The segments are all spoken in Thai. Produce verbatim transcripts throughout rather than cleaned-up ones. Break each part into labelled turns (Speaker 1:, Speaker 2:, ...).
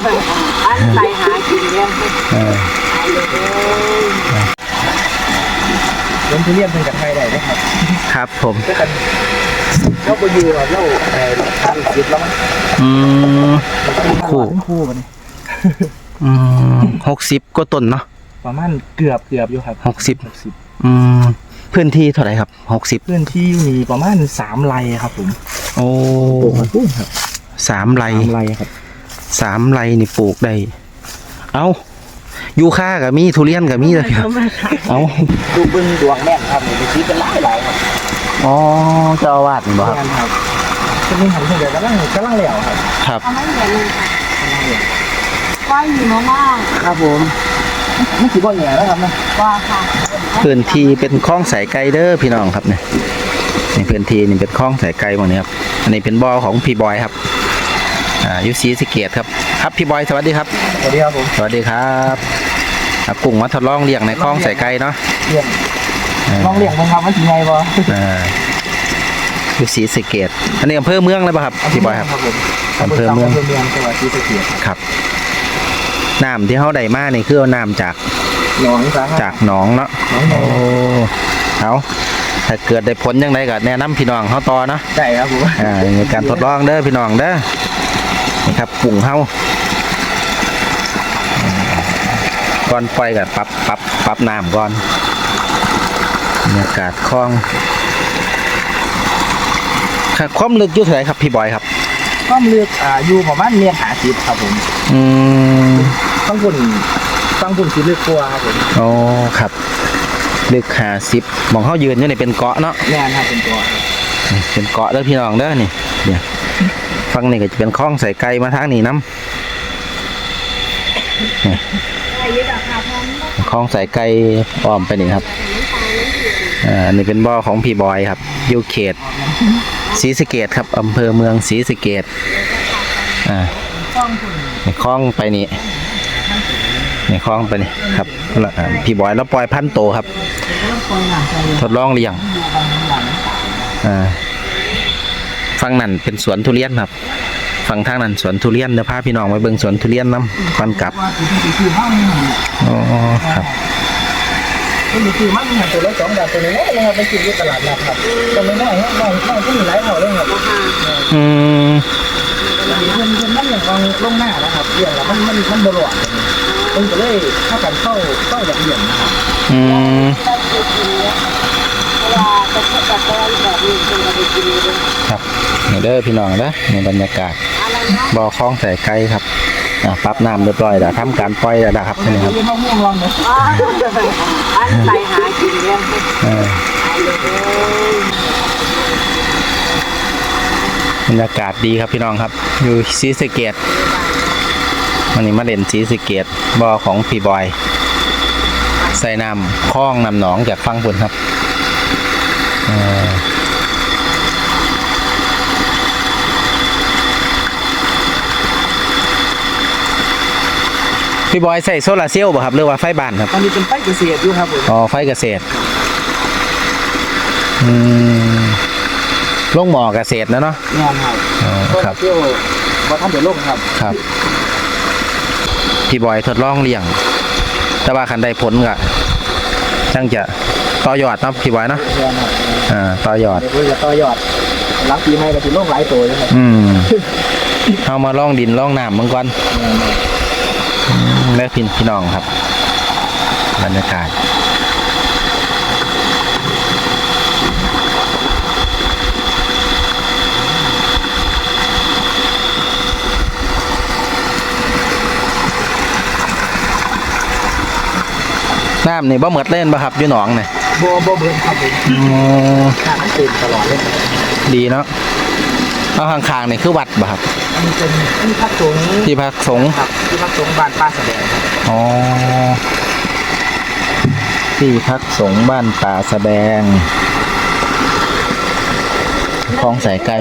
Speaker 1: อันไปหากินเนี่ย
Speaker 2: ล้มทุเรียนเป็นกับไทยได้ไหมครับ
Speaker 3: ครับผม
Speaker 2: เราไปอยู่เราเราทานสิบแล้วมั้ง
Speaker 3: อืม
Speaker 2: คู่คู่มัน
Speaker 3: อืมหกสิบก็ต้นเนาะ
Speaker 2: ประมาณเกือบเกือบอยู่ครับ
Speaker 3: หกสิบหกสิบอืมพื้นที่เท่าไหร่ครับหกสิบ
Speaker 2: พื้นที่มีประมาณสามไร่ครับผม
Speaker 3: โอ้
Speaker 2: ปลูกมันปุ้งครับ
Speaker 3: สามไร่
Speaker 2: สามไร่ครับ
Speaker 3: สามไร่นี่ปลูกได้เอายูคากับมีทุเรียนกับมีเลยครับเอา
Speaker 2: ดูบึ้งดวงแม่ครับมีชีเป็นหลายหลายครับ
Speaker 3: อ๋อเจ้าอาวาสบ่
Speaker 2: ครับจะมีหันเฉยๆกำลังกำลังเหลวครับ
Speaker 3: ครับ
Speaker 1: กำลังเหลวเลยค่ะว่าอยู่มาก
Speaker 2: ๆครับผมไม่ถือว่าแย่แล้วครับนะ
Speaker 1: ว่าค่ะ
Speaker 3: พื้นที่เป็นคลองสายไกลเด้อพี่น้องครับเนี่ยในพื้นที่นี่เป็นคลองสายไกลหมดนี้ครับอันนี้เป็นบ่อของพี่บอยครับอ่ายูซีสเกตครับครับพี่บอยสวัสดีครับ
Speaker 2: สวัสดีครับผม
Speaker 3: สวัสดีครับกุ้งมาทดลองเลี้ยงในคลองสายไกลเนาะ
Speaker 2: เลี้ยงลองเลี้ยงมันครับมันถึงไงบ่
Speaker 3: อ่ายูซีสเกตอันนี้อำเภอเมืองเลยป่ะครับพี่บอยครับอำเภอเมือง
Speaker 2: อำเภอเมืองจังหวัดศรีสะเกษ
Speaker 3: ครับน้ำที่เขาได้มานี่คือเอาน้ำจาก
Speaker 2: หนอง
Speaker 3: จากหนองเนาะ
Speaker 2: โอ้
Speaker 3: เอาถ้าเกิดได้ผลยังไงก็แนะนำพี่น้องเขาต่อเนาะ
Speaker 2: ใช่ครับผม
Speaker 3: อ่าในการทดลองเด้อพี่น้องเด้อนี่ครับปุ่งเขาก่อนปล่อยกับปรับปรับปรับน้ำก่อนบรรยากาศคลองความลึกอยู่เท่าไหร่ครับพี่บอยครับ
Speaker 2: ความลึกอ่าอยู่ประมาณเมตรห้าสิบครับผม
Speaker 3: อืม
Speaker 2: ฟังปุ่นฟังปุ่นสีลึกกว่าครับผม
Speaker 3: โอ้ครับลึกห้าสิบมองเขายืนอยู่นี่เป็นเกาะเนาะ
Speaker 2: แน่นครับเป็นเกาะ
Speaker 3: เป็นเกาะเด้อพี่น้องเด้อนี่เนี่ยฟังนี่ก็จะเป็นคลองใส่ไก่มาทางนี้น้ำคลองใส่ไก่อ้อมไปนี่ครับอ่านี่เป็นบ่อของพี่บอยครับอยู่เขตศรีสะเกษครับอำเภอเมืองศรีสะเกษอ่าในคลองไปนี่ในคลองไปนี่ครับพี่บอยแล้วปล่อยพันโตครับทดลองเลี้ยงอ่าฝั่งนั้นเป็นสวนทุเรียนครับฝั่งทางนั้นสวนทุเรียนเดี๋ยวพาพี่น้องไปเบิ่งสวนทุเรียนน้ำปันกลับอ๋อครับ
Speaker 2: นี่คือมันหันตัวละสองบาทตัวนี้นะครับไปกินที่ตลาดนะครับตรงนี้น้อยน้อยน้อยก็มีหลายเท่าเลยครับ
Speaker 3: อืม
Speaker 2: มันมันมันอย่างลงลงหน้านะครับเรื่องละมันมันมันบลอดมันก็เลยเข้ากันเข้าเข้าอย่างเดียวนะครับ
Speaker 3: อืมครับนี่เด้อพี่น้องนะในบรรยากาศบ่อคลองใส่ไก่ครับปรับน้ำเรียบร้อยแล้วทำการปล่อยแล้วนะครับนี่ครับ
Speaker 1: อันไปหากินเนี่ย
Speaker 3: บรรยากาศดีครับพี่น้องครับอยู่ศรีสะเกษวันนี้มาเล่นศรีสะเกษบ่อของพี่บอยใส่น้ำคลองน้ำหนองจากฝั่งบนครับพี่บอยใส่โซลาร์เซลล์ป่ะครับหรือว่าไฟบ้านครับ
Speaker 2: ตอนนี้เป็นไฟเกษตรอยู่ครับผม
Speaker 3: อ๋อไฟเกษตรอืมลงหมอเกษตรนะเนาะ
Speaker 2: งานครับ
Speaker 3: อ๋อครับ
Speaker 2: เที่ยวมาทำเดี๋ยวลงครับ
Speaker 3: ครับพี่บอยทดลองเลี้ยงแต่ว่าคันได้ผลก็ช่างจะต่อยอดนะพี่บอยเนาะอ่าต่อยอด
Speaker 2: เดี๋ยวจะต่อยอดหลังปีใหม่ก็จะลงหลายตัวเลยครับ
Speaker 3: อืมเอามาล่องดินล่องน้ำมังกรแม่พี่พี่น้องครับบรรยากาศน้ำนี่บ่เหมือดเล่นป่ะครับอยู่หนองเนี่ย
Speaker 2: บ่บ่เบิ่งครับผม
Speaker 3: อ๋อ
Speaker 2: น้ำมันเต็มตลอดเลย
Speaker 3: ดีเนาะเอาข้างๆนี่คือวัดป่ะครับ
Speaker 2: อันนี้เป็นที่พักสงฆ์
Speaker 3: ที่พักสงฆ์
Speaker 2: ครับที่พักสงฆ์บ้านป้าแสดงครับ
Speaker 3: อ๋อที่พักสงฆ์บ้านป่าแสดงคลองสายไกล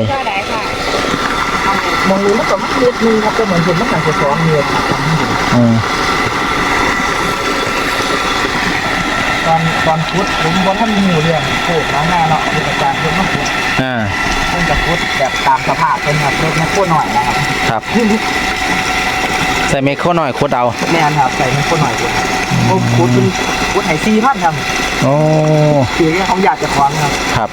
Speaker 2: มองดูแล้วก็มันเล็กนึงครับก็เหมือนผมต้องการจะซ้อมเรือครับ
Speaker 3: อืม
Speaker 2: ตอนตอนพุทธผมว่าท่านมีเรื่องโคตรน้องหน้าเนาะเป็นอาจารย์เพิ่มมากเลย
Speaker 3: อ่า
Speaker 2: เพิ่งจะพุทธแบบตามสภาพเป็นแบบเล็กไม่โคตรหน่อยนะครับ
Speaker 3: ครับใส่เมคโครหน่อยคุดเอา
Speaker 2: แม่นครับใส่ให้คนหน่อยกว่าโอ้คุดเป็นคุดไห้สี่พันครับ
Speaker 3: โอ้
Speaker 2: คือเขาอยากจะคว้างครับ
Speaker 3: ครับ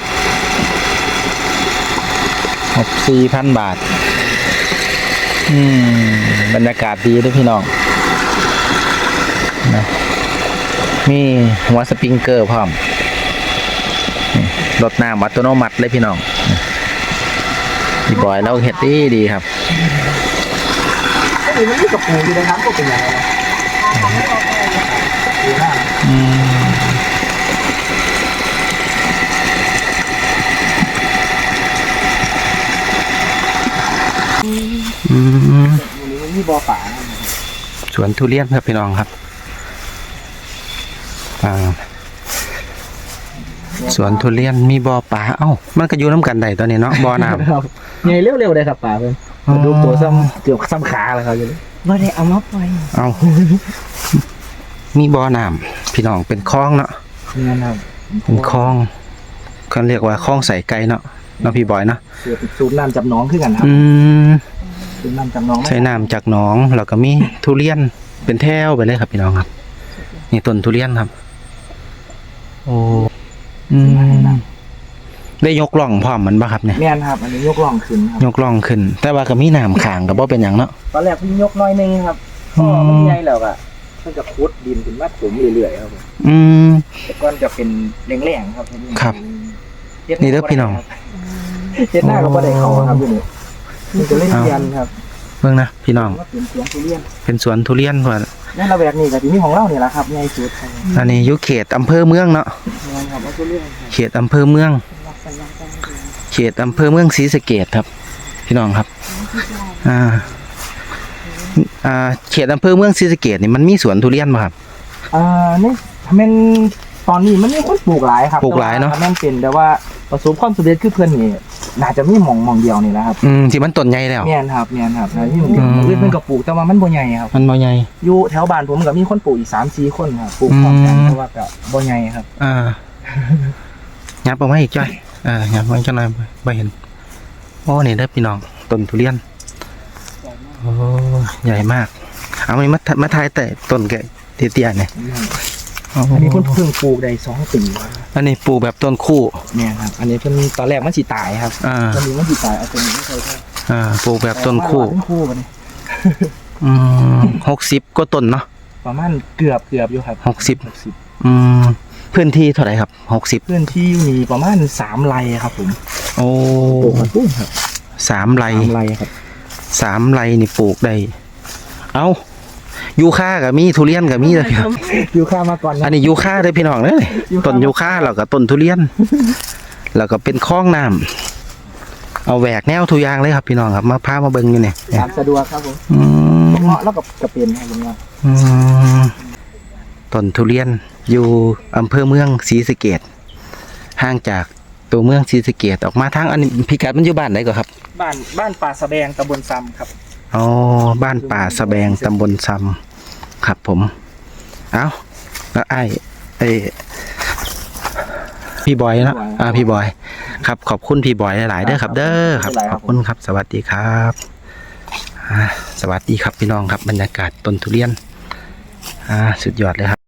Speaker 3: หกสี่พันบาท อืมบรรยากาศดีด้วยพี่น้องนะมีหัวสปริงเกอร์พร้อมนี่รถน้ำอัตโนมัติเลยพี่น้องพี่บอยเราเฮ็ดดีดีครับ
Speaker 2: ก็เลยมันมีกระปูอยู่ในน้ำก็เป็นอย่างไรดูหน้า
Speaker 3: อืมอืม
Speaker 2: วันนี้มันมีบ่อป่า
Speaker 3: สวนทุเรียนครับพี่น้องครับอ่าสวนทุเรียนมีบ่อปลาเอ้ามันก็อยู่น้ำกันได้ตอนนี้เนาะบ่อน้ำ
Speaker 2: ครับใหญ่เร็วๆเลยครับป่าเพื่อน
Speaker 3: อ๋อ
Speaker 2: ดูตัวซ้ำเกือบซ้ำขาเลยครับอยู่เลย
Speaker 1: บ่ได้เอามาปล่อย
Speaker 3: เอามีบ่อน้ำพี่น้องเป็นคลองเนาะ
Speaker 2: นี่นะครับ
Speaker 3: เป็นคลองเขาเรียกว่าคลองใส่ไก่เนาะเนาะพี่บอยเนาะ
Speaker 2: เสือติดสูบน้ำจับน้องขึ้นกันครับ
Speaker 3: อืม
Speaker 2: สูบน้ำจับน้อง
Speaker 3: ใช้น้ำจากหนองแล้วก็มีทุเรียนเป็นแถวไปเลยครับพี่น้องครับนี่ต้นทุเรียนครับ โอ้อืมได้ยกล่องพร้อมมันปะครับเนี่ย
Speaker 2: แม่นครับ อันนี้ยกล่องขึ้นครับ
Speaker 3: ยกล่องขึ้น แต่ว่าก็มีน้ำขางกับบ่เป็นอย่างเนาะ
Speaker 2: ตอนแรกเพิ่งยกน้อยนึงครับ
Speaker 3: อื
Speaker 2: ก็
Speaker 3: ม
Speaker 2: มันใหญ่แล้วอะมันจะคุดดินขึ้นมาถมเรื่อยๆครับผม
Speaker 3: อืม
Speaker 2: แต่ก่อนจะเป็นแรงๆครับ
Speaker 3: ครับ
Speaker 2: เฮ็ด
Speaker 3: นี่เด้อพี่น้อง
Speaker 2: เฮ็ดหน้าก็บ่ได้เขาครับอยู่นี่มันจะเล่นเรียนครับ
Speaker 3: เบิ่งนะพี่น้อง
Speaker 2: ว่าเป็นสวนทุเรียน
Speaker 3: เป็นสวนทุเรียนเพิ่น
Speaker 2: ในระแวกนี้ก็สิมีของเรานี่แหละครับใหญ่สุดครับ
Speaker 3: อันนี้อยู่เขตอำเภอเมืองเนาะ
Speaker 2: แม่นครับว่าทุเรียนครับ
Speaker 3: เขตอำเภอเมือง เขตอำเภอเมืองศรีสะเกษครับ พี่น้องครับ อ่า อ่า เขตอำเภอเมืองศรีสะเกษนี่มันมีสวนทุเรียนป่ะครับ
Speaker 2: อ่านี่แม่นตอนนี้มันมีคนปลูกหลายครับ
Speaker 3: ปลูกหลายเนอะ
Speaker 2: แต่ว่แม่นเป็นแต่ว่าประสบความสำเร็จคือเพิ่นนี่น่าจะมีหม่องหม่องเดียวนี่แหละครับ
Speaker 3: อืมที่มันต้นใหญ่แล้ว
Speaker 2: แม่นครับแม่นครับแล้วที่หม่องเดียว
Speaker 3: อืม
Speaker 2: เพิ่นก็ปลูกแต่ว่ามันบ่ใหญ่ครับ
Speaker 3: มันบ่ใหญ่
Speaker 2: อยู่แถวบ้านผมก็มีคนปลูกอีก สามสี่ คนครับปลูกพร้อมกัน
Speaker 3: อืม
Speaker 2: แต่ว่าก็บ่ใหญ่ครับ
Speaker 3: อ่ายับออกมาอีกจ้อยอ่ายับมาจังหน่อยบ่บ่เห็น โอ้นี่เด้อพี่น้องต้นทุเรียน โอ้ใหญ่มาก เอามามามาทายแต่ต้นแกเตี้ยๆเนี่ยโอ้
Speaker 2: อันนี้เพิ่นเพิ่งปลูกได้สองปีครับ
Speaker 3: อันนี้ปลูกแบบต้นคู่
Speaker 2: เนี่ยครับ อันนี้เพิ่นตอนแรกมันสิตายครับ
Speaker 3: อ่า
Speaker 2: ตอนนี้มันสิตายเอาตัวนี้ไม่เคยใช่
Speaker 3: อ่า ปลูกแบบต้นคู่
Speaker 2: ต้นคู่บัดนี้
Speaker 3: อืมหกสิบก็ต้นเนาะ
Speaker 2: ประมาณเกือบเกือบอยู่ครับ
Speaker 3: หกสิบ
Speaker 2: หกสิบ
Speaker 3: อืมพื้นที่เท่าไหร่ครับหกสิบ
Speaker 2: พื้นที่มีประมาณสามไร่ครับผม
Speaker 3: โอ้
Speaker 2: ปลูกมันปุ้งครับ
Speaker 3: สามไร่
Speaker 2: สามไร่ครับ
Speaker 3: สามไร่นี่ปลูกได้ เอายูคากับมีทุเรียนกับมีเลยครับ
Speaker 2: อยู่ข้ามาก่อนนะ
Speaker 3: อันนี้ยูคาเลยพี่น้องเลย
Speaker 2: ยูคา
Speaker 3: ต้นยูคาแล้วก็ต้นทุเรียน แล้วก็เป็นคลองน้ำเอาแหวกแนวทุกอย่างเลยครับพี่น้องครับมาพามาเบิ่งอยู่เนี่ย
Speaker 2: ตามสะดวกครับผม
Speaker 3: อืม
Speaker 2: เงาะแล้วกับกระเป็นครับผมว่า
Speaker 3: อืมต้นทุเรียนอยู่อำเภอเมืองศรีสะเกษห่างจากตัวเมืองศรีสะเกษออกมาทางอันนี้พิกัดมันอยู่บ้านไหนก่อนครับ
Speaker 2: บ้านบ้านป่าสะแบงตำบลซ้ำครับ
Speaker 3: อ๋อบ้านป่าสะแบงตำบลซำครับผม เอาแล้วไอ้ไอ้พี่บอยเนอะอ่าพี่บอย ครับขอบคุณพี่บอยหลายๆเด้อครับ เด้อครับ ขอบคุณครับ สวัสดีครับอ่าสวัสดีครับพี่น้องครับบรรยากาศต้นทุเรียนอ่าสุดยอดเลยครับ